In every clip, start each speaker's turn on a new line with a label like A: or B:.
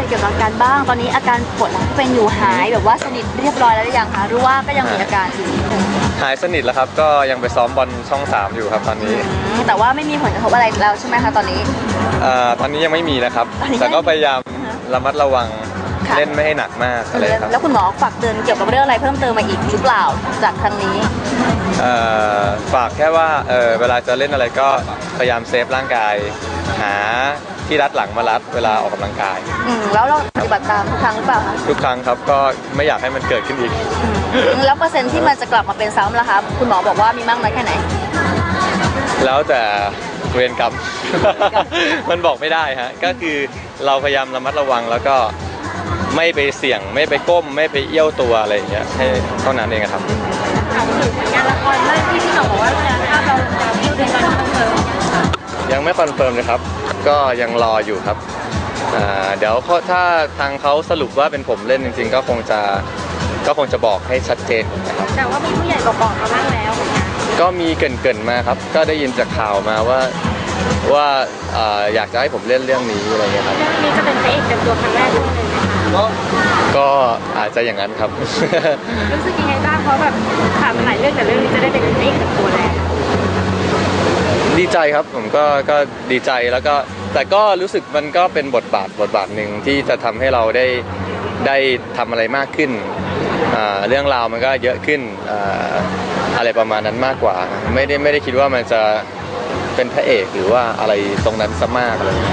A: เกี่ยวกับอาการบ้างตอนนี้อาการปวดหลังที่เป็นอยู่หายแบบว่าสนิทเรียบร้อยแล้วหรือยังคะหรือว่าก็ยังมีอาการอยู่
B: หายสนิทแล้วครับก็ยังไปซ้อมบอลช่อง3อยู่ครับตอนนี้
A: แต่ว่าไม่มีผลกระทบอะไรแล้วใช่ไหมคะตอนนี้
B: ตอนนี้ยังไม่มีนะครับแต่ก็พยายามระมัดระวังเล่นไม่ให้หนักมากอะไรครับ
A: แล้วคุณหมอฝากเตือนเกี่ยวกับเรื่องอะไรเพิ่มเติมมาอีกหรือเปล่าจากครั้งนี้
B: ฝากแค่ว่าเวลาจะเล่นอะไรก็พยายามเซฟร่างกายหาที่รัดหลังมารัดเวลาออกกำลังกาย
A: แล้วเราปฏิบัติตามทุกครั้งหรือเปล่าคะ
B: ทุกครั้งครับก็ไม่อยากให้มันเกิดขึ้นอีก
A: แล้วเปอร์เซ็นต์ที่มันจะกลับมาเป็นซ้ำล่ะครับคุณหมอบอกว่ามีมากน้อยแค่ไหน
B: แล้วแต่เวรกรรม มันบอกไม่ได้ฮะก็คือเราพยายามระมัดระวังแล้วก็ไม่ไปเสี่ยงไม่ไปก้มไม่ไปเอี้ยวตัวอะไรอย่างเงี้ยให้เท่านั้นเองครับ
A: ถามถึงผลงานละครเรื่องที่พี่หน่องบอกว่าถ้าเราจะพูดในการคอนเฟิร์ม
B: ยังไม่คอนเฟิร์มเลยครับก็ยังรออยู่ครับเดี๋ยวถ้าทางเขาสรุปว่าเป็นผมเล่นจริงๆก็คงจะบอกให้ชัดเจนนะครับ
A: แต่ว่ามีผู้ใหญ่บอกมาบ้างแล้ว
B: ก็มีเกินมาครับก็ได้ยินจากข่าวมาว่าอยากจะให้ผมเล่นเรื่องนี้อะไรเงี้ยครับ
A: เรื่องนี้จะเป็นพระเอกเต็มตัวครั้งแรกเลย
B: ก็อาจจะอย่างนั้นครับ
A: รู้สึกยังไงบ้างเพราะแบบผ่านมาหลายเรื่องแต่เรื่องนี้จะได้เป็นพระเอกเต็มตัวแล้ว
B: ดีใจครับผมก็ดีใจแล้วก็แต่ก็รู้สึกมันก็เป็นบทบาทหนึ่งที่จะทำให้เราได้ทำอะไรมากขึ้นเรื่องราวมันก็เยอะขึ้นอะไรประมาณนั้นมากกว่าไม่ได้คิดว่ามันจะเป็นพระเอกหรือว่าอะไรตรงนั้นซะมากเลย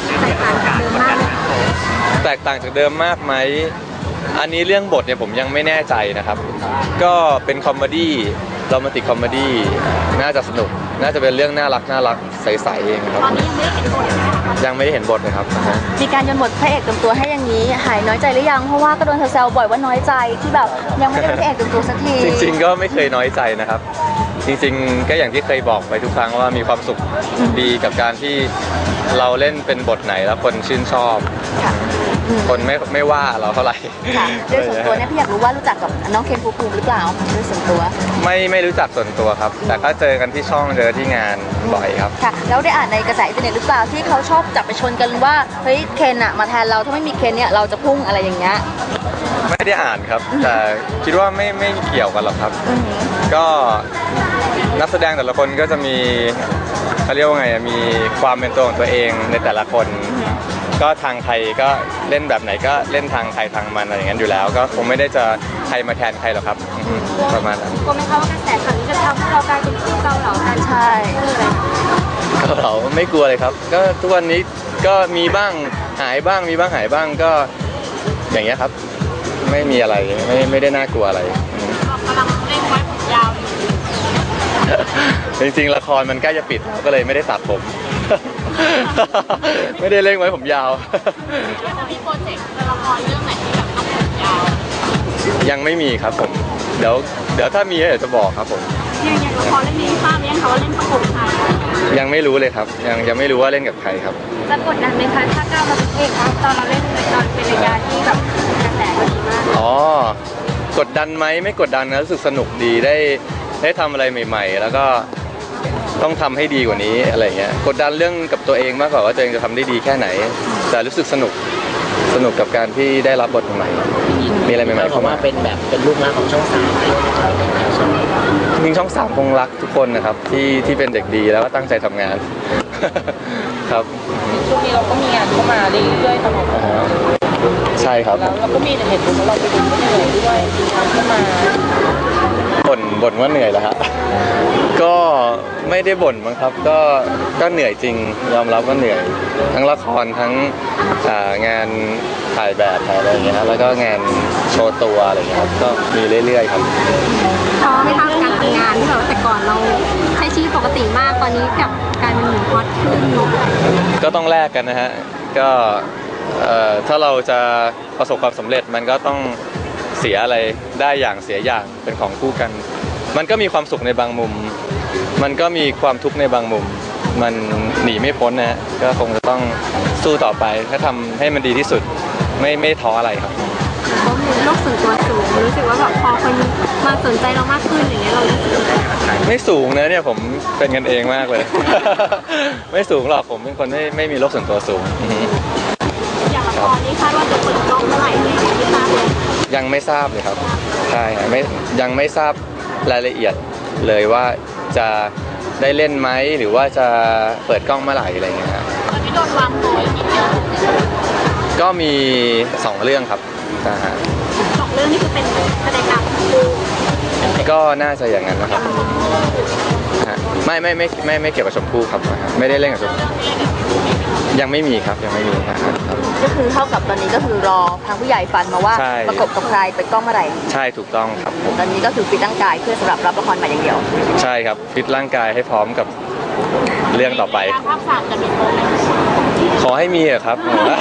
B: แตกต่างจากเดิมมากไหมอันนี้เรื่องบทเนี่ยผมยังไม่แน่ใจนะครับก็เป็นคอมเมดี้โรแมนติกคอมเมดี้น่าจะสนุกน่าจะเป็นเรื่องน่ารักใสๆเองครับ
A: ตอนนี้
B: ยังไม่ได้เห็นบทเลยครับ
A: มีการโยนบทพระเอกเต็มตัวให้อย่างนี้หายน้อยใจหรือยังเพราะว่าก็โดนแซวบ่อยว่าน้อยใจที่แบบยังไม่ได้เป็นพระเอกเต็มตัวสักที
B: จริงๆก็ไม่เคยน้อยใจนะครับจริงๆก็อย่างที่เคยบอกไปทุกครั้งว่ามีความสุขดีกับการที่เราเล่นเป็นบทไหนแล้วคนชื่นชอบคนไม่ว่าเราเท่าไหร่
A: โดยส่วนตัวเนี่ยพี่อยากรู้ว่ารู้จักกับน้องเคนภูมิหรือเปล่าโดยส่วนตัว
B: ไม่รู้จักส่วนตัวครับแต่ก็เจอกันที่ช่องเจอที่งานบ่อยครับ
A: ค่ะแล้วได้อ่านในกระแสอินเทอร์เน็ตหรือเปล่าที่เขาชอบจับไปชนกันว่าเฮ้ยเคนอะมาแทนเราถ้าไม่มีเคนเนี่ยเราจะพุ่งอะไรอย่างเงี้ย
B: ไม่ได้อ่านครับแต่คิดว่าไม่เกี่ยวกันหรอกครับก็นักแสดงแต่ละคนก็จะมีเขาเรียกว่าไงมีความเป็นตัวของตัวเองในแต่ละคนก็ทางใครก็เล่นแบบไหนก็เล่นทางใครทางมันอะไรอย่างนั้นอยู่แล้วก็คงไม่ได้จะใครมาแทนใครหรอกครับประมาณนั้น
A: กลัวไหมคะว่ากระแสข่าวนี้จะทำให้เรากลายเป็นคู่เกาเหลากันใช่
B: เกาเหลาไม่กลัวเลยครับก็ทุกวันนี้ก็มีบ้างหายบ้างมีบ้างหายบ้างก็อย่างเงี้ยครับไม่มีอะไรไม่ได้น่ากลัวอะไร
A: กำลังเล่นไว้ผมยาว
B: จริงๆละครมันใกล้จะปิดก็เลยไม่ได้ตัดผมไม่ได้เล่นไว้ผมยาว
A: มีโปรเจกต์ละครเรื่องไหนที่แบบต้องผมยาว
B: ยังไม่มีครับผมเดี๋ยวถ้ามีเดี๋ยวจะบอกครับผม
A: อย่างละครเรื่องนี้ทราบยังคะว่าเล่นประกบใคร
B: ยังไม่รู้เลยครับยังไม่รู้ว่าเล่นกับใครครับ
A: จะกดดันไหมคะถ้าก้าวมาเป็นเอกครับตอนเราเล่นตอนเป็นระยะที่แบบกระแสดีมาก
B: กดดันไหมไม่กดดันนะรู้สึกสนุกดีได้ทำอะไรใหม่ๆแล้วก็ต้องทำให้ดีกว่านี้อะไรเงี้ยกดดันเรื่องกับตัวเองมากกว่าว่าตัวเองจะทำได้ดีแค่ไหนแต่รู้สึกสนุกกับการที่ได้รับบทใหม่มีอะไรใหม่ๆเข้ามา
C: เป็นลูกรักของช่อง3
B: จริงช่อง3คงรักทุกคนนะครับที่เป็นเด็กดีแล้วก็ตั้งใจทำงานครับ
A: ช่วงนี้เราก็มีงานเข้ามาเรื่อยๆตลอด
B: ใช่ครับ
A: แล้วเราก็มีเหตุผลว่าเราไปดูก็เหนื่อยด้วยมีงานเข้ามา
B: บ่นว่าเหนื่อยแล้วครับก็ไม่ได้บ่นมั้งครับก็เหนื่อยจริงยอมรับว่าเหนื่อยทั้งละครทั้งงานถ่ายแบบถ่ายอะไรอย่างเงี้ยแล้วก็งานโชว์ตัวอะไรอย่างเงี้ยครับก็มีเรื่อยๆครับ
A: ท้อไหมคะการทำงานที่แบบแต่ก่อนเราใช้ชีวิตปกติมากตอนนี้กับการเป็นหนุ่มฮอตขึ้น
B: ก็ต้องแลกกันนะฮะก็ถ้าเราจะประสบความสำเร็จมันก็ต้องเสียอะไรได้อย่างเสียอย่างเป็นของคู่กันมันก็มีความสุขในบางมุมมันก็มีความทุกข์ในบางมุมมันหนีไม่พ้นนะก็คงจะต้องสู้ต่อไปถ้าทำให้มันดีที่สุดไม่ท้ออะไรครับ
A: เขามีโลกส่วนตัวสูงรู้สึกว่าแบบพอคนมาสนใจเรามากขึ้นอย่างเงี้ยเรารู้สึก
B: ไม่สูงนะเนี่ยผมเป็นกันเองมากเลยไม่สูงหรอกผมเป็นคนไม่มีโลกส่วนตัวสูง
A: อย่างละครนี้คาดว่า
B: ยังไม่ทราบเลยครับใช่ฮะยังไม่ทราบรายละเอียดเลยว่าจะได้เล่นไหมหรือว่าจะเปิดกล้องเมื่อไหร่อะไรเงี้ยครับ
A: ตอนนี้โดนวางตัวอย่างนี้เยอะ
B: ก็มี2เรื่องครับนะฮะ
A: 2 เรื่องนี่คือเป็นแสดงนำคู่
B: ก็น่าจะอย่างนั้นนะครับฮะไม่เกี่ยวกับชมพู่ครับไม่ได้เล่นกับชมพู่ยังไม่มีครับยังไม่มีครับ
A: ก็คือเท่ากับตอนนี้ก็คือรอทางผู้ใหญ่ฟันมาว่า
B: ใช่
A: ประกบกับใครเปิดกล้องเมื่อไหร่
B: ใช่ถูกต้องครับผม
A: ตอนนี้ก็คือฟิตร่างกายเพื่อสำหรับรับละครใหม่อย่างเดียว
B: ใช่ครับฟิตร่างกายให้พร้อมกับเรื่องต่อไป
A: ภาค 3จะมีโปรไหม
B: ขอให้มีอะครับ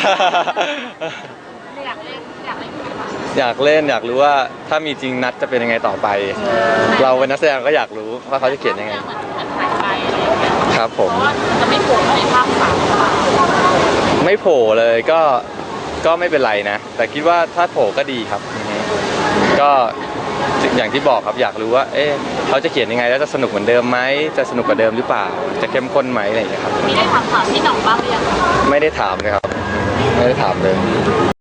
A: อยากเล่นอยากเล่น
B: อยากเล่นอยากรู้ว่าถ้ามีจริงนัดจะเป็นยังไงต่อไป เราเป็นนักแสดงก็อยากรู้ว่าเขาจะเขียนยังไง
A: เหมือนหายไปอะไรอย่างเงี้ย
B: ครับผม
A: เพราะว่าจะไม่โผล่ในภาค 3
B: ไม่โผล่เลยก็ไม่เป็นไรนะ แต่คิดว่าถ้าโผล่ก็ดีครับอือฮึก็อย่างที่บอกครับอยากรู้ว่า เอ๊ะเขาจะเขียนยังไงแล้วจะสนุกเหมือนเดิมไหมจะสนุกกว่าเดิมหรือเปล่า จะเข้มข้นไหมอะไรอย่างเงี้ยครับ
A: มีได้ถามพี่หน่องบ้างหรือยัง
B: ไม่ได้ถามเลยครับไม่ได้ถามเลย